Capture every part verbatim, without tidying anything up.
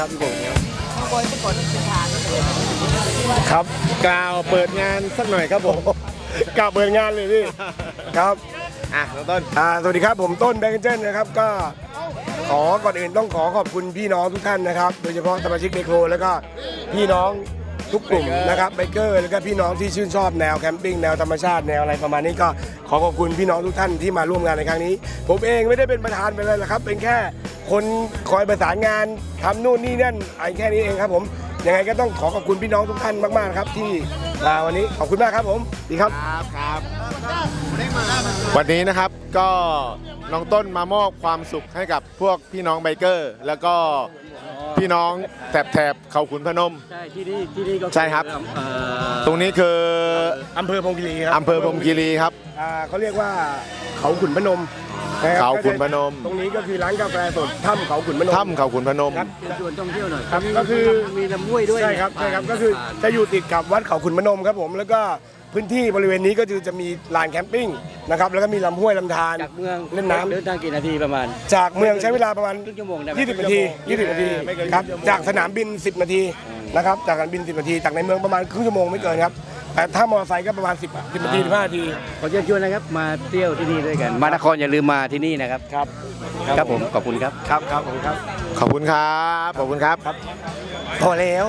ครับพี่ผมครับข้างบนเมื่อก่อนเป็นทางเลยครับกล่าวเปิดงานสักหน่อยครับผมกล่าวเปิดงานเลยพี่ครับอ่ะน้องต้นอ่าสวัสดีครับผมต้นแบงค์เจนนะครับก็ขอก่อนอื่นต้องขอขอบคุณพี่น้องทุกท่านนะครับโดยเฉพาะสมาชิกเบโคแล้วก็พี่น้องทุกกลุ่มนะครับไบเกอร์แล้วก็พี่น้องที่ชื่นชอบแนวแคมปิ้งแนวธรรมชาติแนวอะไรประมาณนี้ก็ขอขอบคุณพี่น้องทุกท่านที่มาร่วมงานในครั้งนี้ผมเองไม่ได้เป็นประธานไปเลยละครับเป็นแค่คนคอยประสานงานทำนู่นนี่นั่นไอ้แค่นี้เองครับผมยังไงก็ต้องขอขอบคุณพี่น้องทุกท่านมากๆครับที่มาวันนี้ขอบคุณมากครับผมดีครับครับครับวันนี้นะครับก็น้องต้นมามอบความสุขให้กับพวกพี่น้องไบเกอร์ แล้วก็พี่น้องแถบแถบเขาขุนพนมใช่ที่นี่ที่นี่ก็ใช่ครับตรงนี้คืออำเภอพรหมคีรีครับอำเภอพรหมคีรีครับอ่าเขาเรียกว่าเขาขุนพนมเขาขุนพนมตรงนี้ก็คือร้านกาแฟสดถ้ำเขาขุนพนมถ้ำเขาขุนพนมเป็นส่วนท่องเที่ยวหน่อยครับก็คือมีลำห้วยด้วยใช่ครับใช่ครับก็คือจะอยู่ติดกับวัดเขาขุนพนมครับผมแล้วก็พื้นที่บริเวณนี้ก็คือจะมีลานแคมปิ้งนะครับแล้วก็มีลำห้วยลำธารจากเมืองเล่นน้ำเดินทางกี่นาทีประมาณจากเมืองใช้เวลาประมาณครึ่งชั่วโมงได้ไหมยี่สิบนาทียี่สิบนาทีครับจากสนามบินสิบนาทีนะครับจากสนามบินสิบนาทีจากในเมืองประมาณครึ่งชั่วโมงไม่เกินครับแต่ถ้ามอเตอร์ไซค์ก็ประมาณสิบ สิบนาทีสิบห้านาทีขอเชิญชวนนะครับมาเที่ยวที่นี่ด้วยกันมานครอย่าลืมมาที่นี่นะครับครับครับผมขอบคุณครับครับครับผมครับขอบคุณครับขอบคุณครับพอแล้ว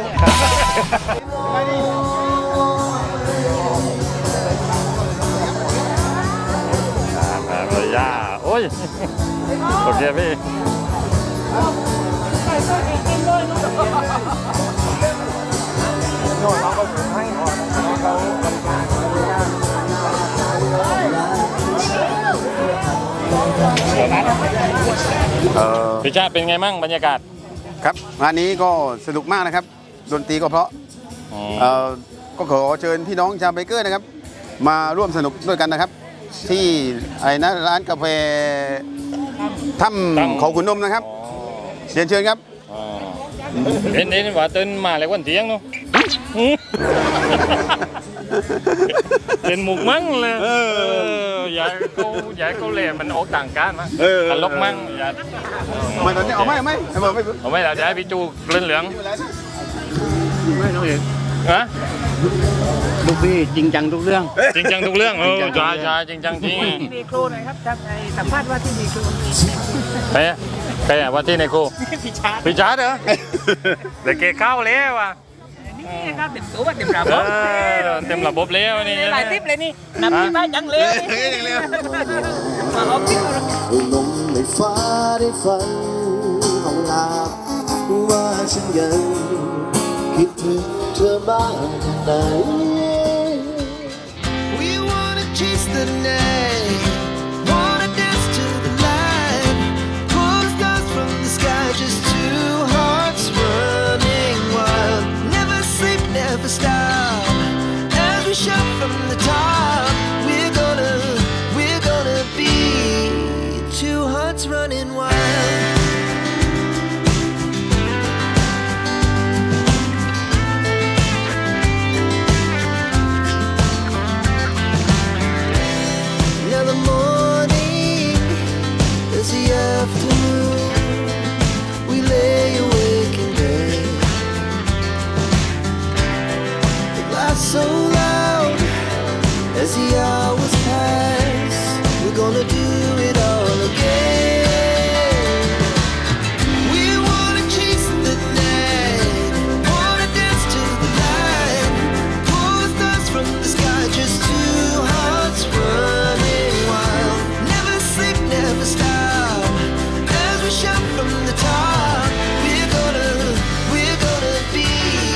เลยย่าโอ้ยโอเคพี่โน่นเราก็ให้เขาพี่ชาเป็นไงมั่งบรรยากาศครับงานนี้ก็สนุกมากนะครับดนตรีก็เพราะเอ่อก็ขอเชิญพี่น้องชาวไบเกอร์นะครับมาร่วมสนุกด้วยกันนะครับที่ไอ้นะร้านกาแฟถ้ำเขาขุนนมนะครับเรียนเชิญครับเห็นเห็นว่าตื่นมาแล้ววันเที่ยงเนาะเป็นหมุกมั่งเลยอย่าเขาอย่าเขาเล่มันออกต่างกันมั้งตลกมั่งอย่าไม่ตอนนี้เอาไม่ไม่ไม่ไม่เอาไม่เราจะให้พี่จูเลื่อนเหลืองไม่น้องเอกฮะลูกพี่จริงจังทุกเรื่องจริงจังทุกเรื่องเออใช่ใช่จริงจังจริงมีครูหน่อยครับทำไอ้สัมภาษณ์ว่าที่มีครูใครใครว่าที่ในครูพี่ชาร์พี่ชาร์เหรอเด็กเกเข้าแล้วว่ะนี่ครับเต็มตัวเต็มระบบเต็มระบบแล้วนี่หลายทิปเลยนี่นำที่บ้านจังเลยมาเอาทิปลมในฟ้าได้ฟังของลาว่าฉันยังคิดถึงเธอบ้างไหน We wanna chase the night wanna dance to the light pull the stars from the sky just two hearts running wild never sleep never stop as we shout from the top we're gonna we're gonna be two hearts running wild so loud as the hours pass we're gonna do it all again we wanna chase the night wanna dance to the light pull the stars from the sky just two hearts running wild never sleep never stop as we shout from the top we're gonna we're gonna be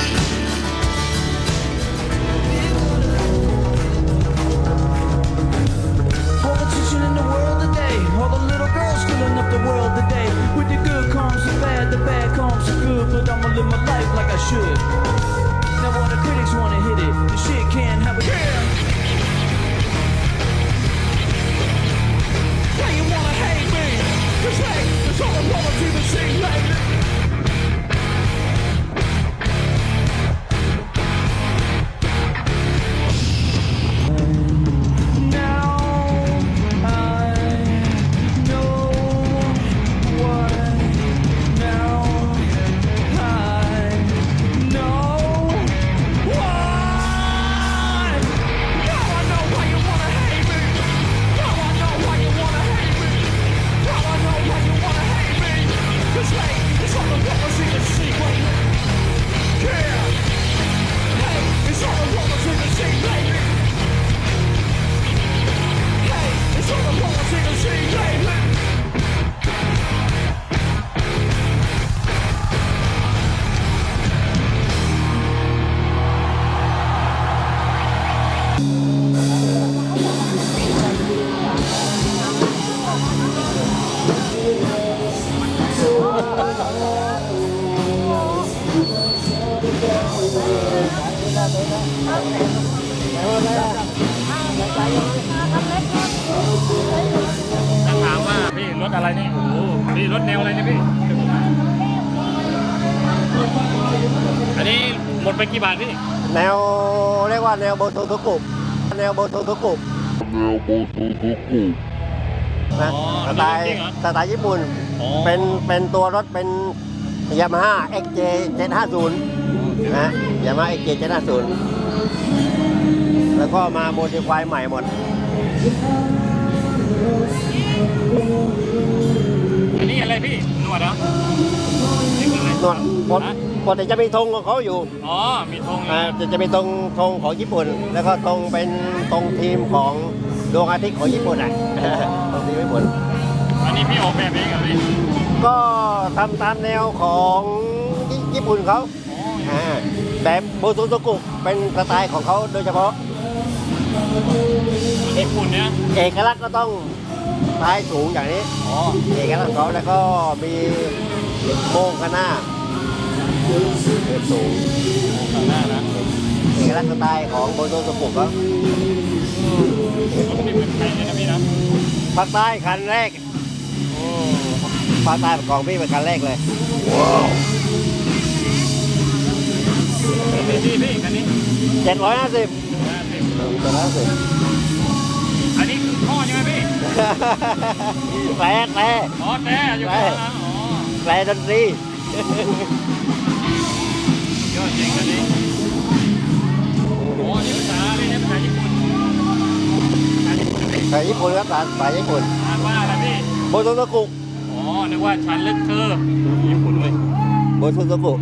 the world today with the good comes the bad the bad comes the good but I'ma live my life like I should now all the critics wanna hit it the shit can't have a yeah why you wanna hate me cause hey there's all the poetry to sing like ถ้าถามว่าพี่รถอะไรนี่โอ้โหพี่รถแนวอะไรเนี่ยพี่ อันนี้หมดไปกี่บาทพี่แนวเรียกว่าแนวโบโตโตกุแนวโบโตโตกุนะสไตล์สไตล์ญี่ปุ่นอ๋อเป็นเป็นตัวรถเป็นยามาฮ่า เอ็กซ์ เจ เจ็ดห้าศูนย์ นะยามาฮ่า เอ็กซ์ เจ เจ็ดห้าศูนย์ แล้วก็มาโมดิฟายใหม่หมดอันนี้อะไรพี่หนวดเหรอนี่คืออะไรนวดปกปกติจะมีธงของเขาอยู่อ๋อ มีธงอ่าจะจะมีธงธงของญี่ปุ่น แล้วก็ธงเป็นธงทีมของดวงอาทิตย์ของญี่ปุ่นอ่ะ ธงทีมญี่ปุ่นอันนี้พี่ออกแบบเองเหรอพี่ก็ทำตามแนวของญี่ปุ่นเขาอ่าแต่โบโตโตกุเป็นสไตล์ของเขาโดยเฉพาะญี่ปุ่นเนี่ยเอกลักษณ์ก็ต้องท้ายสูงอย่างนี้อ๋อเอกลักษณ์ของเขาแล้วก็มีโมงข้างหน้าเรียบสูงข้างหน้านะเอกลักษณ์สไตล์ของโบโตโตกุเขารถนี่เป็นใครเนี่ยนะพี่นะภาคใต้คันแรกภาคใต้ของพี่เป็นคันแรกเลยพี่พี่พี่คันนี้เจ็ดร้อยห้าสิบเจ็ดร้อยห้าสิบอันนี้คือท่อใช่ไหมพี่แตรแตรอ๋อแต่อยู่ข้างหลังอ๋อแตรดนตรียอดจริงคันนี้โอ้นี่ภาษาอะไรเนี่ยภาษาญี่ปุ่นภาษาญี่ปุ่นพี่สายญี่ปุ่นครับสายญี่ปุ่นอ่านว่าอะไรพี่โบโตโตกุอ๋อ นึกว่าฉันลึกเธอญี่ปุ่นเว้ยโบโตโตกุ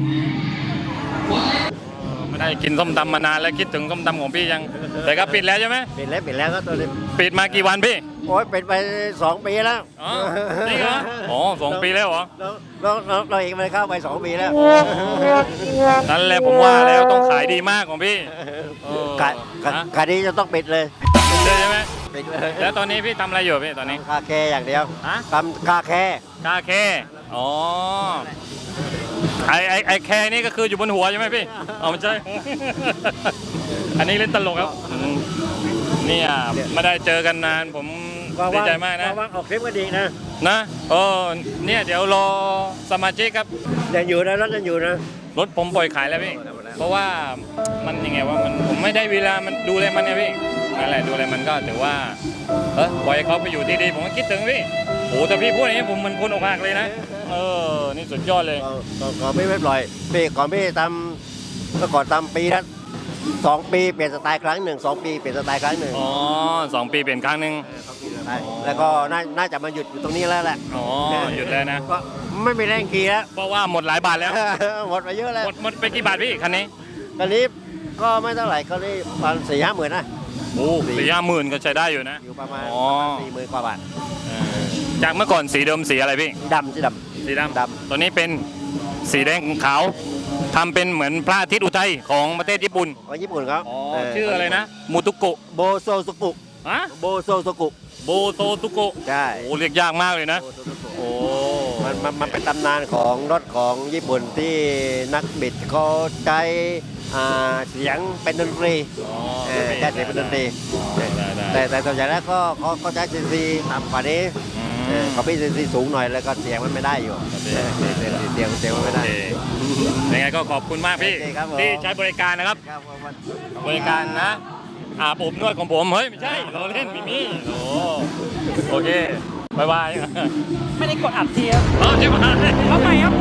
ไม่ได้กินส้มตำมานานแล้วคิดถึงส้มตำของพี่ยัง แต่ก็ปิดแล้วใช่ไหมปิดแล้วปิดแล้วก็ตัวนี้ปิดมากี่วันพี่โอ้ยปิดไปสองปีแล้วอ๋อจริงเหรออ๋อสองปีแล้วเหรอเราเราเราเองมันเข้าไปสองปีแล้วนั่นแหละผมว่าแล้วต้องขายดีมากของพี่เออขายขายฮะขายดีจะต้องปิดเลยปิดเลยใช่ไหมปิดเลยแล้วตอนนี้พี่ทำอะไรอยู่พี่ตอนนี้คาแคร์อย่างเดียวฮะทำคาแคร์คาเคอ๋อ ไอไอไอแคนี่ก็คืออยู่บนหัวใช่ไหมพี่เอาไม่ใช่ อันนี้เล่นตลกครับอืมเนี่ยไม่ได้เจอกันนานผมดีใจมากนะว่างๆออกคลิปก็ดีนะนะเออเนี่ยเดี๋ยวรอสมาชิกครับยังอยู่นะรถยังอยู่นะรถผมปล่อยขายแล้วพี่ เพราะว่ามันยังไงว่ามันผมไม่ได้เวลามันดูแลมันเนี่ยพี่นั่นแหละดูแลมันก็ถือว่าเออปล่อยให้เขาไปอยู่ที่ดีผมก็คิดถึงพี่โอ้แต่พี่พูดอย่างนี้ผมเหมันคนอกหักเลยนะเออนี่สุดยอดเลยก่อนก่อนก่อนพี่ไม่ปล่อยพี่ก่อนพี่ทำก็ก่อนทำปีละสองปีเปลี่ยนสไตล์ครั้งหนึ่งสองปีเปลี่ยนสไตล์ครั้งหนึ่งอ๋อสองปีเปลี่ยนครั้งหนึ่งแล้วก็น่าน่าจะมาหยุดอยู่ตรงนี้แล้วแหละอ๋อหยุดแล้วนะก็ไม่มีแรงขี่แล้วเพราะว่าหมดหลายบาทแล้วหมดไปเยอะแล้วหมดหมดไปกี่บาทพี่คันนี้ตอนนี้ก็ไม่เท่าไหร่ก็นี่ประมาณสี่ห้าหมื่นนะโอ้สี่ห้าหมื่นก็ใช้ได้อยู่นะอยู่ประมาณอ๋อสี่หมื่นกว่าบาทเออจากเมื่อก่อนสีเดิมสีอะไรพี่ดำสีดสีดำดตัวนี้เป็นสีแดงขาวทำเป็นเหมือนพระอาทิตย์อุทัยของประเทศญี่ปุ่นำของญี่ปุ่นเขาอ๋อเชื่ออะไรนะมูตุโกะโบโซสุกุฮะโบโซสุกุโบโตตุโกะใช่โอ้เรียกยากมากเลยนะโบโซสุกุโอ้มันมันมันเป็นตำนานของรถของญี่ปุ่นที่นักบิดเขาใช้อ่าเสียงเป็นดนตรีอ๋อเออใช้เสียงเป็นดนตรีได้ได้แต่แต่ส่วนใหญ่แล้วก็เขาเขาใช้ซีซีต่ำกว่านี้อืมเออเขาพี่ซีซีสูงหน่อยแล้วก็เสียงมันไม่ได้อยู่โอเคเออเสียงเสียงเสียงมันไม่โอได้เคยังไงก็ขอบคุณมากพี่โอเคครับผมที่ใช้บริการนะครับครับวันบริการนะอาบอบนวดของผมเฮ้ยไม่ใช่เราเล่นมีมี่โอ้โอเคบายบายไม่ได้กดอัดทีครับเอาใช่ไหมเอาใหม่ครับ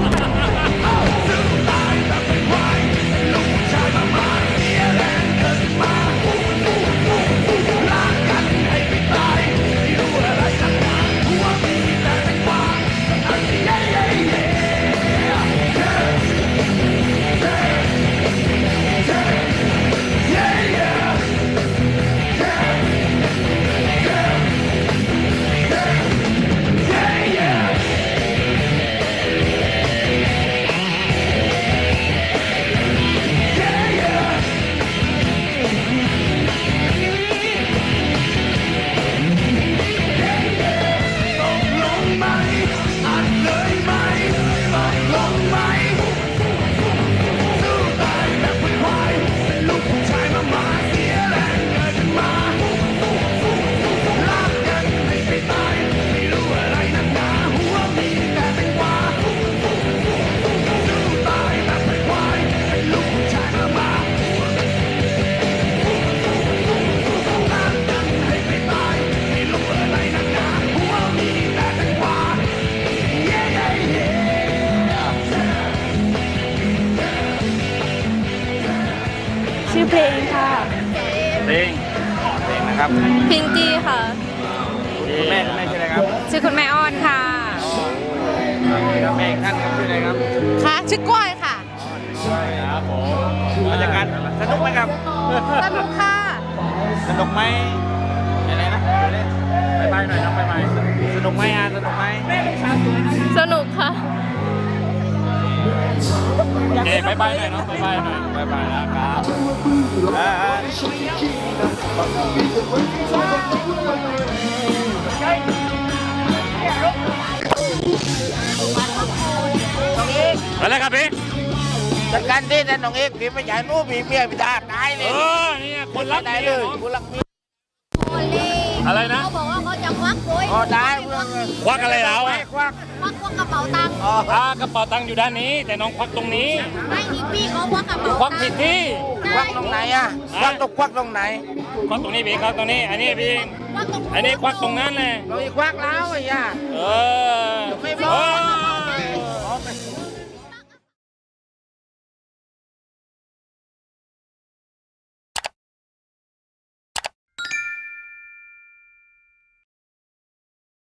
Yeah, yeah. ครับพิงกี้ค่ะคุณแม่คุณแม่ชื่ออะไรครับชื่อคุณแม่อ้อนค่ะแม่อีกท่านครับชื่ออะไรครับค่ะชื่อกล้วยค่ะครับผมบรรยากาศสนุกไหมครับสนุกค่ะสนุกไหมอะไรนะไปไปหน่อยน้องไปไปสนุกไหมอ่ะสนุกไหมสนุกค่ะเอ้บายบายหน่อยเนาะบายบายหน่อยบายบายนะครับอ่าไปแล้วครับพี่จัดการที่นั่นน้องเอกพี่ไม่ใช่นู้พี่เมียพี่ตาตายเลเอย อเนี่ยคนรักได้เมีเลย ยเนาะคุณรักเมียอะไรนะเขาบอกว่าเขาจะควักโวยอ๋อได้เพื่อนควักอะไรแล้วอ่ะควักควักพวกกระเป๋าตังค์อ๋ออ่ากระเป๋าตังค์อยู่ด้านนี้ แต่น้องควักตรงนี้ไม่นี่พี่เขาควักกระเป๋าควักตัผิงดค์ที่ควักตรงไหนอ่ะควักตรงควักตรงไหนควักตรงนี้พี่ควักตรงนี้ อันนี้พี่ควักตรงอันนี้ควักตรงนั้นแหละเราอีกควักแล้วไอ้ย่าเออไม่บอก